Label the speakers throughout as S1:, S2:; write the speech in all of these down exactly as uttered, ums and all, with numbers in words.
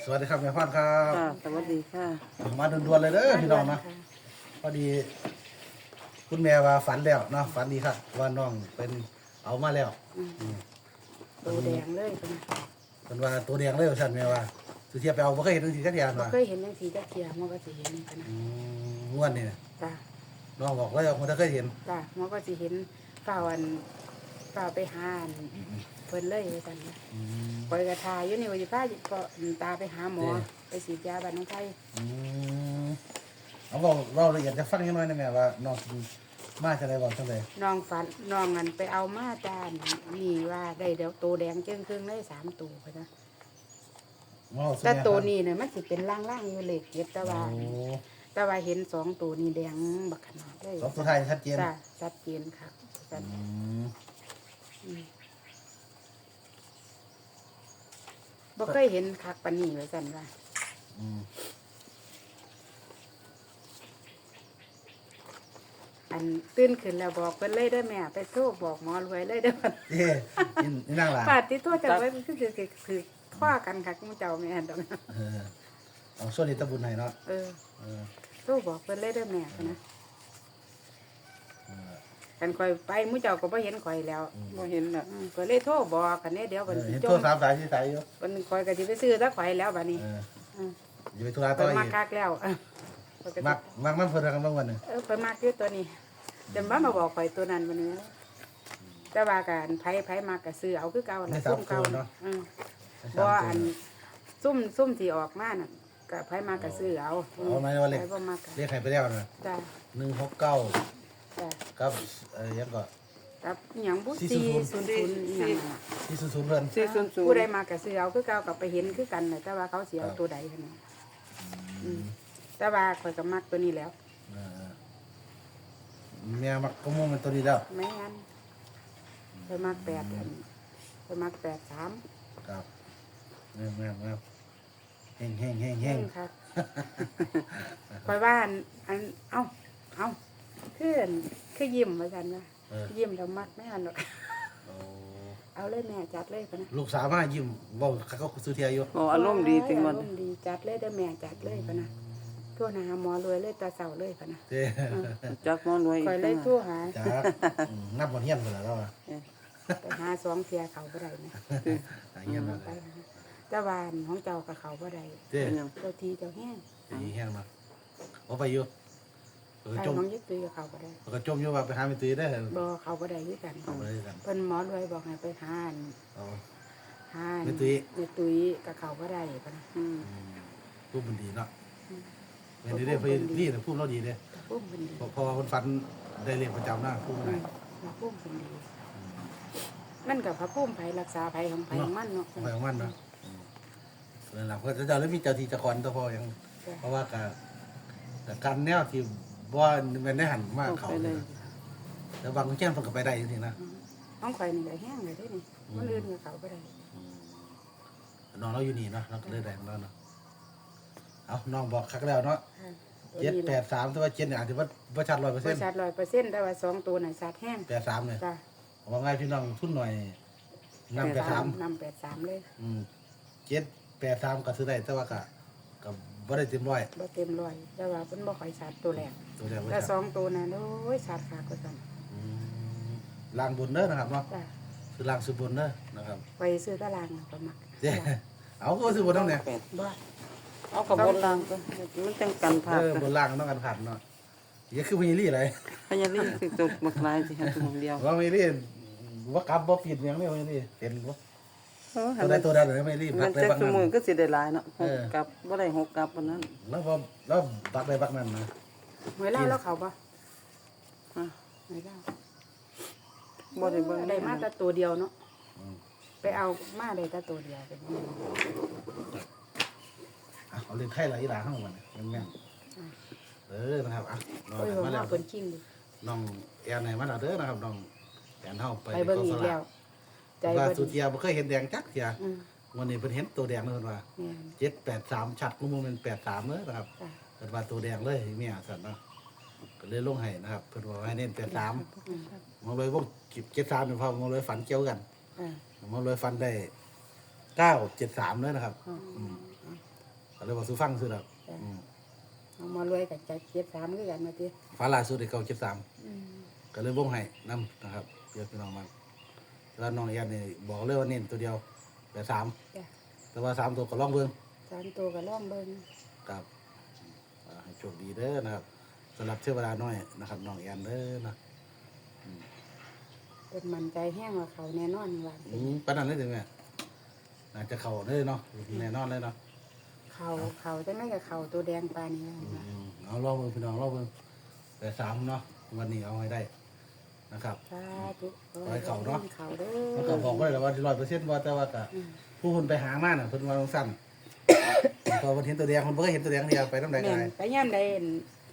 S1: สวัสดีครับแม่พรครับ
S2: ค่ะสวัสดีค่ะ
S1: มาด่วนๆเลยเด้อพี่น้องเนาะพอดีคุณแม่ว่าฝันแล้วเนาะฝันดีครับว่าน้องเป็นเอามาแล้วอืม
S3: ตัวแดงเลยเป็น
S1: เป็นว่าตัวแดงเลยว่าซั่นแม่ว่าสุเทียบไปเอาบ่เคยเห็นจังซี่จักอย่าง
S3: บ่
S1: ว่า
S3: เคยเห็นจังสีจักเทียมันก็สิเห็นกันนะ
S1: อืมม่วนนี่น่ะ
S3: จ้า
S1: น้องบอกแล้วว่าบ่เคยเห็น
S3: จ้ามันก็สิเห็นฝ่าวันฝ่าไปหาอันเพิ่นเลยว่าซั่นนะ
S1: อืม
S3: ปล่อยกระทาอยู่นี่ว่าสิพาก็ตาไปหาหมอไปฉีดยาบ้านน้องไทย
S1: อืมเอาบอกเราละเอียดจะฟังกันหน่อยนะแม่ว่าน้องมาจังได๋บ่จังได๋
S3: น้องฝันน้องอันไปเอามาจานนี่ว่าได้เดี๋ยวตัวแดงเจิ้งครึ่งได้สามตัวไปนะ
S1: เว้าสู่
S3: แต่
S1: ม่
S3: ตัว
S1: ฟัง
S3: นี้เนี่ยมันสิเป็นล่างๆอยู่เล็กเก็บแต่ว่า
S1: โอ้
S3: แต่ว่าเห็นสองตัวนี้แดงบักขนาดเลย
S1: สองตัวท้ายชัดเจน
S3: จ้าชัดเจนค่ะจ้ะ
S1: อืม
S3: อืมบ่เคยเห็นคักปานนี้เลยกันว่า
S1: อืม
S3: อันตื่นขึ้นแล้วบอกเพิ่นเลยเด้อแม่ไปโทรบอกหมอรวยเลยเด้อ
S1: เอ๊ะนี่นี่นางหลาน
S3: ปาดที่โทรจังไว้มันคือสิคือท่อกันคักหมู่เจ้าแม่ดอก
S1: เออเอาส่วนนี้ตะบุญให้เนาะ
S3: เออ
S1: เออ
S3: โทรบอกเพิ่นเลยเด้อแม่พะนะ
S1: เออ
S3: กันข่อยไปหมู่เจ้าก็บ่เห็นข่อยแล้ว
S2: บ่เห็นน่ะ
S3: อืมก็เลยโทรบอกกันเนี่ยเดี๋ยว
S1: เอ
S3: เพิ่น
S1: อ
S3: สิ
S1: เห็น
S3: จ
S1: โทร
S3: ม
S1: สามสายที่สายอยู่
S3: เพิ่นข่อยก็สิไปซื้อซะข่อยแล้วบัดนี้
S1: เออ
S3: อืม
S1: อยู่ไปธุระต่
S3: เพิ่
S1: อน อี
S3: มาก คักแล้วเออเพิ่นก็สิ
S1: มักมักมันเพิ่นกันบางวันหนึง
S3: เออเพิ่นมากอยู่ตัวนี้เดี๋ยวมามาบอกข่อยตัวนั้นบัดนี้แต่ว่ากันไผไผมากก็ซื้อเอาคือเก่า
S1: ใน
S3: ล่ะ
S1: สา
S3: ซุ่
S1: ม
S3: ม
S1: ตั
S3: เก่าว
S1: เนาะ
S3: อืม
S1: ใน
S3: บ่
S1: สาม
S3: อั
S1: ตัวน
S3: ซุ่มซุ่มที่ออกมาน่ะก็ไผมากก็ซื้อเอา
S1: เอาไหมว่าเลข
S3: ไผบ่มากก็
S1: เรียกใครไปแล้วนะ
S3: จ้า
S1: หนึ่งหกเก้า
S3: จ้า
S1: กับเอ่อยังก็
S3: กับอหยังบ่
S1: สี่
S3: สี่
S1: ศู
S3: ศู
S1: น
S3: น
S1: ย์
S3: ย์ศูนย์อหยังน่ะ
S1: ที่ศูนย์ศูนย์เพิ่น
S2: สี่ศูนย์ศูน
S3: ผู้
S2: ย์
S3: ใดมาก็ซื้อเอาคือเก่าก็ไปเห็นคือกันน่ะแต่ว่าเขาสิเอาตัวใดคั่นน่ะอืมแต่ว่าข่อยก็มักตัวนี้แล้ว
S1: เออแม่มักก็มุ่งเป็นตัวนี้แล้ว
S3: ไม่งั้นไปมากแปดอันไปมากแปดสาม
S1: ครับแม่แม่แม่เฮงเฮงเฮงเฮง
S3: ครับคอยว่าอันอันเอ้าเอ้าคืออันคือยิ้มเหมือนกันนะ
S1: เออ
S3: ยิ้มแล้วมักไม่อันหรอก
S1: โอ้
S3: เอาเลยแม่จัดเลยปะนะ
S1: ลูกสาวมายิ้มเว้าเขาก็ซื้อเทียอยู่
S2: บ่อารมณ์ดีจังวัน
S3: อารมณ์ดีจัดเลยได้อแม่จัดเลยปะนะทั่วหาหมอรวยเลยตาเสาเลยปะนะ
S1: เด้
S2: จักหมอรวย
S3: คอยเลยทั่วหา
S1: จ้าอืมนับบ่เฮียนพุ่นล่ะแล้วอะ
S3: ไปหาสองเทียเขาบ่ได้นะ
S1: หาเฮียนมา
S3: ไปหาแต่วาอันของเจ้ากับเขาบ่ได้
S1: เด้
S2: เป็นหยัง
S3: เจ้าทีเจ้าแห้ง
S1: ดีเฮียนมาบ่ไปอยู่เออ
S3: ไอ้
S1: จม
S3: ของยึดตุยกับเขาบ่ได้
S1: ก็จมอยู่ว่าไปหาแม่ตุ้ยได้อ
S3: บ่เขาบ่ได้ด้วยกัน
S1: เอาไปเลยกัน
S3: เพิ่นหมอรวยบอกให้ไปหาอัน
S1: เอา
S3: หาอัน
S1: แม่ตุ้ย
S3: แม่ตุ้ยกับเขาบ่ได้ปะนะ
S2: อืม
S1: อืมพูดมันดีเนาะแม่นดีเด้อเพิ่นนี่น่ะพูดเราดีเด้อ
S3: แต่พุ่มเป็นดี
S1: พอพอคนฝันได้เรียนประจำนะพูดมัน
S3: อื
S1: ได้
S3: มพระพุ่มเป็นดีมันกับพระพุ่มไผรักษาไผของไผของมันเนาะ
S1: ไปของมันเนาะอืมนั่นล่ะเพราะเจ้าแล้วมีเจ้าที่เจ้าคอนตัวพอยัง
S3: จ้ะ
S1: เพราะว่าการแต่การแนวที่บ่แม่นได้หันมา
S2: เอา
S1: เขา
S2: ไป
S1: เล
S2: เลย ย
S1: แต่บางคนแจ้งเพิ่นก็ไปได้จริงๆนะ
S3: อืมของข่อยนี่ก็แห้งเลยเด้นี่มันอื่นกับเขาบ่ได้
S1: น้องเราอยู่นี่เนาะเราก็เลยได้ของเราเนาะเอาน้องบอกคักแล้วเนาะ
S3: ค่ะ
S1: เจ็ดแปดสามแต่ว่าเจ็ดเนี่ยอาจจะว่าบ่ชัดร้อยเปอร์
S3: บ
S1: เซ็น
S3: ริ
S1: ต์
S3: ษัทร้อยเปอร์เซ็นต์แต่ว่าสองตัวน่ะสัตว์แห้ง
S1: แปดสามเลย
S3: จ้ะ
S1: ว่าง่ายพี่น้องทุนหน่อยนำแปดสาม
S3: นำแปดสามเลย
S1: อืมเจ็ดแปดสามก็ซื้อได้แต่ว่าก็ก็บ่ได้เต็มร้อย
S3: บ่เต็มร้อยแต่ว่าเพิ่นบ่ค่อยสัตว์ตัวแรก
S1: ตัวแรกว่า
S3: แต่
S1: ชัด
S3: สองตัวน่ะโอ้ยสัตว์ค่ะก็ซั่น
S1: อืมล่างบนเด้อนะครับเนาะ
S3: จ้ะ
S1: คือล่างสุดบนเด้อนะครับ
S3: ไปซื้อตารางน่ะก็มัก
S1: เจ้เอาก็สุดบนเท่าเนี่ย
S2: แปด
S3: บ่
S2: เอากับบนล่างก็มันจังกันพลา
S1: เอ
S2: ด
S1: อบนล่างต้องกันผ่านเนาะอย่าคือพญาลี่อะไร
S2: พญาลีสิตกบักลายสิหาตัวเดียว
S1: ว่าพญาลี่ว่ากลับบ่ผิดอย่างนี้พญาลี่เห็นบ่
S2: เออ
S1: ตัวใดตัวใดเลยพญาลี่พั
S2: มั
S1: ก
S2: น
S1: ได้
S2: จัก
S1: บัก
S2: ส
S1: นั้น
S2: มือก็สิได้หลายเนาะห
S1: เอก อ
S2: กลับบ่ได้หกกลับปานนั้น
S1: แล้วพอแล้วปักได้บักนั้นนะ
S3: หวยเล่าแล้วเขาบ่
S2: อ่ะ
S3: หวยเล่า
S2: บ่ได้เบิ่ง
S3: ได้มาแต่ตัวเดียวเนาะ
S1: อืม
S3: ไปเอามาได้แต่ตัวเดียวเป็นยังไง
S1: อ่ะเอาเล่นไทยหลายอีหลาข้างมันเนี่ยแม่นๆเออนะครับอ่ะน้อง
S3: โอ้ย
S1: แอน
S3: ผม
S1: มาแล้
S3: ว่าว คนชิมดิ
S1: น้องแอนไหนมาแล้วเด้อนะครับน้องแอนเฮาไป
S3: ไปเบิ่งอีกแล้ว ใจ
S1: ว่า
S3: บ่
S1: สุ
S3: ดี
S1: เทียบ่เคยเห็นแดงจักเทีย
S3: อืม
S1: วันนี้เพิ่นเห็นตัวแดงเลยเพิ่นว่า
S3: แม่น
S1: เจ็ดแปดสามชัดกูมูเป็นแปดสามเลยนะครับ
S3: จ้ะ
S1: เพิ่นว่าตัวแดงเลยเมียสัตว์เนาะก็เลยลงให้นะครับเพิ่นว่าให้เน้นแปดสาม
S3: อืม
S1: มองเลยวงเจ็ดสามเนี่ยพอมองเลยฝันเกี่ยวกัน
S3: อ่าม
S1: องเลยฝันได้เก้าเจ็ดสามเลยนะครับ
S3: อืม
S1: อืมก็เลยว่าสู้ฟังซื้อดอก
S3: จ้ะ
S1: อืม
S3: เอามารวยกับใจเจ็ดสามคือกันมาติ
S1: ฟ้าล่าสุดได้เก้าเจ็ดสาม
S3: อืม
S1: ก็เลยวงให้นํนะครับเดี๋ยวพี่น้องมาแล้วน้องแอนนี่บอกเลยว่าเน้นตัวเดียวแต่สาม
S3: จ้ะ
S1: แต่ว่าสามตัวก็ลองเบิ่ง
S3: สามตัวก็ล่องเบิ่ง
S1: ครับอ่าให้โชคดีเด้อนะครับสำหรับเทวดาน้อยนะครับน้องแอนเด้อนะ
S3: เป็นมันใจแห้งว่าเขาแน่นอนว่า
S1: อืมปานนั้นเลยถึงแม่น่าจะเข้าเลยเนาะแน่นอนเลยเนาะ
S3: เขาเขาจังได๋ก็เขาตัวแดงปานนี้
S1: อื
S3: นะ
S1: มเอาลองเบิ่งพี่น้องลองเบิ่งแต่สามเนาะวันนี้เอาให้ได้นะครับ
S3: สาธุ
S1: ขอให้เขาเนาะ
S3: เขาเด้
S1: มัน
S3: อ
S1: ก็บอกไว้แล้วว่าร้อยเปอร์เซ็นต์ว่าแต่ว่าก็
S3: อืม
S1: ผู้คนไปหามาน่ะเพิ่นว่าสั้น พอมันเห็นตัวแดงมันบ่เคยเห็นตัวแดงเดียวไปน้ำใดก็
S3: แม่น
S1: ได้
S3: ไปย่ำใดอั่น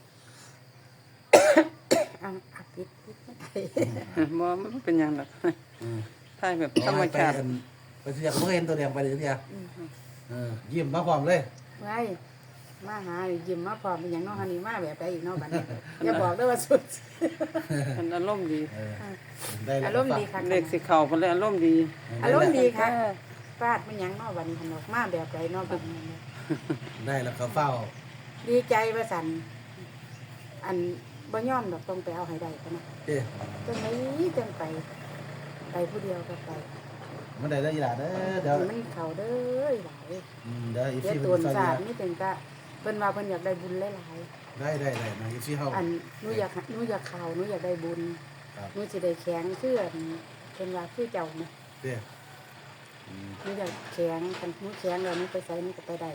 S3: เอาอักปิดปิดมันไป
S2: บ่มันเป็นหยังดอก
S1: อืม
S2: ถ่ายแบบธรรมชาติ
S1: ไปอันไปเที่ยวก็บ่เคยเห็นตัวแดงไปเลยเที่ยว
S3: อืม
S1: เออยิ้มมาพร้อมเลย
S3: ไว้มาหายิ้มมาพร้อมเป็นหยังเน้องฮันนี่มาแบบใดอีกเนาะบัดนี้อย่าบอกเด้อว่าสุด
S2: มันอารมณ์ดี
S1: เออได้แล้ว
S3: อารมณ์ดีค่ะ
S2: เลขสิเข้าเพิ่นเลยอารมณ์ดี
S3: อารมณ์ดีค่ะฟาดเป็นหยังเนาะบัดนี้หันออกมาแบบใดเนาะบัดนี้
S1: ได้แล้วก็เฝ้า
S3: ดีใจว่าสั่นอันบ่ยอมดอกต้องไปเอาให้ได้ปะนะ
S1: เด้
S3: จังไดจังไป ไปผู้เดียวก็ไป
S1: มันได้แล้วอีหล่าเด้อเดี๋ยว
S3: ให้มันเข้าเด้อหลาย
S1: อืมเดี๋ยวอี
S3: เดี๋ยว
S1: ซี่
S3: ตั
S1: เพิ่
S3: วน
S1: จะซอย
S3: ศาสต
S1: เห
S3: ร์
S1: ลือ
S3: นี่ถึงก็เพิ่นว่าเพิ่นอยากได้บุญหลาย
S1: ได้ได้ได้นะอีซี่เฮา
S3: ๆอันหนูอยากหนูอยากข่าวหนูอยากได้บุญ
S1: ครับ
S3: หนูสิได้แข็งคืออันเพิ่นว่าคือเจ้านะ
S1: เด้อืม
S3: หนูอยากแข็งคันหนูแข็งแล้วหนูไปไสหนูก็ไปได้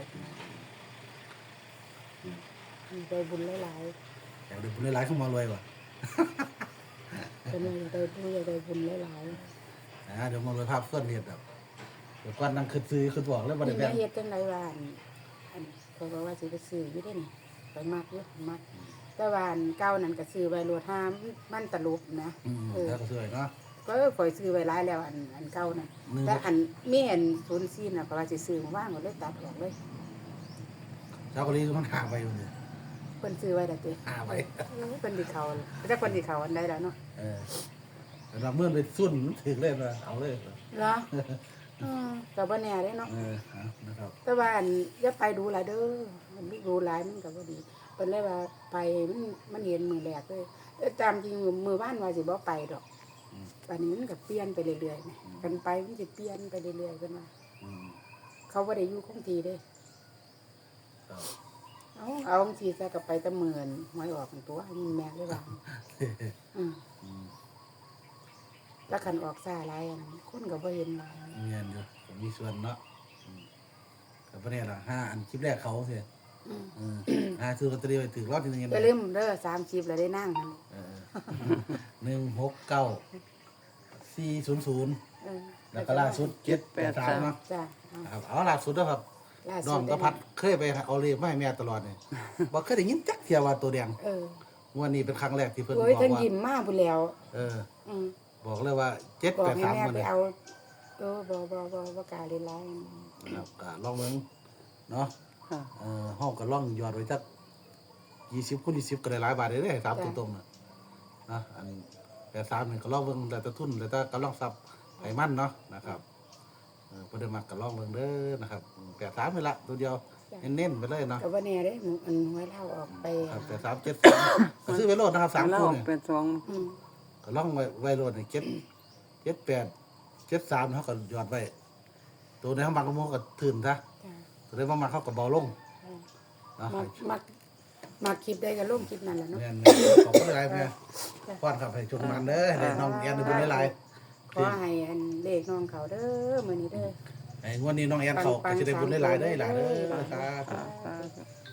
S3: อืมได้บุญหลาย
S1: อยากได้บุญหลายๆเข้ามารวยว่ะ
S3: ๆเพิ่นว่าอยากได้หนูอยากได้บุญหลายๆ
S1: นะเดี๋ยวมารวยภาพเพื่อนเฮ็ดแบบเดี๋ยวก่อนนั่งคิดซื้อคิดบอกแล้วบ่ได้
S3: นี่
S1: แบ่
S3: มาง เฮ็ดจังไดว่าอันอันเขาบอกว่าสิไปซื้ออยู่เด้นี่ไปมักอยู่มักแต่ว่าอันเก่านั่นก็ซื้อไว้โลดห้ามมันตะลุบนะ
S1: อืม
S3: เออ
S1: แล้วก็ซื้อเนาะ
S3: ก็ข่อยซื้อไว้หลายแล้วอันอันเก่านั่น
S1: หนึ่ง
S3: แต่อันมีอันศูนย์สี่น่ะก็ว่าสิซื้อมาว่างหมดเลยตัดออกเลย
S1: ชาวเกาหลีมันหาไปอยู่นี่
S3: เพิ่นซื้อไว้แล้วติ
S1: หาไว้
S3: เออเพิ่นสิเข้าแต่เพิ่นสิเข้าอันใดแล้วเนาะ
S1: เออแต่เราเมื่อไปสุ่นถึงเลยนะเอาเลย
S3: เหรออือก็บ่แน่เด้เนาะ
S1: เออเอานะครับ
S3: แต่ว่าอันอย่าไปดูหลายเด้อมันดูหลายมันก็บ่ดีเพิ่นเลยว่าไปมันมันเห็นมือแรกเลยแต่ตามจริงมือบ้านว่าสิบ่ไปดอกป่านนี้มันก็เปลี่ยนไปเรื่อยๆนะกันไปมันสิเปลี่ยนไปเรื่อยๆเพิ่นว่า
S1: อืม
S3: เขาบ่ได้อยู่คงที่เด้
S1: ครับ
S3: เอาเอาจังซี่ซะก็ไปแตะหมื่นหวยออกตัวมันแม่เลยว่าอืม
S1: อืม
S3: แล้วคันออกซ่าหลายอันนั้นคนก็บ่เห็นหลาย
S1: เงียนอยู่ผมมีส่วนเนาะอืมแต่ประเด็นละห้าอันคลิปแรกเขาเสีย
S3: อืม
S1: อืมอ่าซื้อลอตเตอรี่ไปถือรอบที่หนึงยัง
S3: อย่าลืมเด้อสามสิบแล้วได้นั่งหั่น
S1: เออหนึ่งหกเก้าสี่ศูนย์ศูนย์
S3: เออ
S1: แล้วก็ล่าสุดเจ็ดแปดสามเนาะ
S3: จ้ะเอา
S1: ครับเอาล่าสุดนะครับ
S3: ล่า
S1: น้
S3: สุ
S1: อ
S3: ด
S1: งกระพัดเคยไปเอาเลขมาให้แม่ตลอดเนี่ยบอกเคยได้ยินจักเทียว่าตัวแดง
S3: เออ
S1: วันนี้เป็นครั้งแรกที่เพิ่นบ
S3: โอ้
S1: อย ก
S3: เพิ่น
S1: ว่า
S3: ยิ้มมาพุ่นแล้ว
S1: เออ
S3: อืม
S1: บอกเลยว่าเจ็ด
S3: บอก
S1: แปด
S3: ให้
S1: สาม
S3: แม่
S1: วัน
S3: ไป
S1: นี้
S3: เอาเออบ่บ่บ่บ่กล้าเล่นหลาย
S1: ครับก็ลองเบิ่งเนาะ
S2: ค่ะ
S1: เออห้องก็ล่องยอดไว้จักยี่สิบคูณยี่สิบก็ได้หลายบาทเลยเด้สามตรงๆน่ะนะอันแปดสามนี่ก็ล่องเบิ่งแต่ตะทุนแต่ตะก็ล่องซับไขมันเนาะนะครับเออบ่ได้มักก็ล่องเบิ่งเด้อนะครับแปดสามนี่ละตัวเดียวเน้นๆไปเลยเนาะ
S3: ก็บ่แน่เด้หมู่อันหวยเล่าออกไป
S1: ครับแปดสามเจ็ดก็ซื้อไปโลดนะครับสาม
S2: แล้ว
S1: คู่
S2: ออก
S1: เนี่ย
S2: เป็นสอง
S3: อืม
S1: ก็ล่องไว้ไว้โลดนี่เจ็ดเจ็ดแปดเจ็ดสามเขาก็ยอดไว้ตัวในห้องบางกระโมก็ถืนซะ
S3: จ้ะ
S1: ตัวในบางมาเขาก็เบาลง
S3: เออ
S1: เนาะ
S3: มักมักมักคลิปได้ก็ลงคลิปนั่นแหละเนาะ
S1: แม่นขอบคุณหลายแม่ป้อนครับให้ชมมันเด้อให้น้องแอนได้บุญหลาย
S3: ขอให้อันเลขน้องเขาเด้อมื้อนี้เด้อ
S1: ๆไอ้งวดนี้น้องแอนเขาก็จะได้บุญหลายๆเด้อหลายเด้อครับ
S2: สาธุ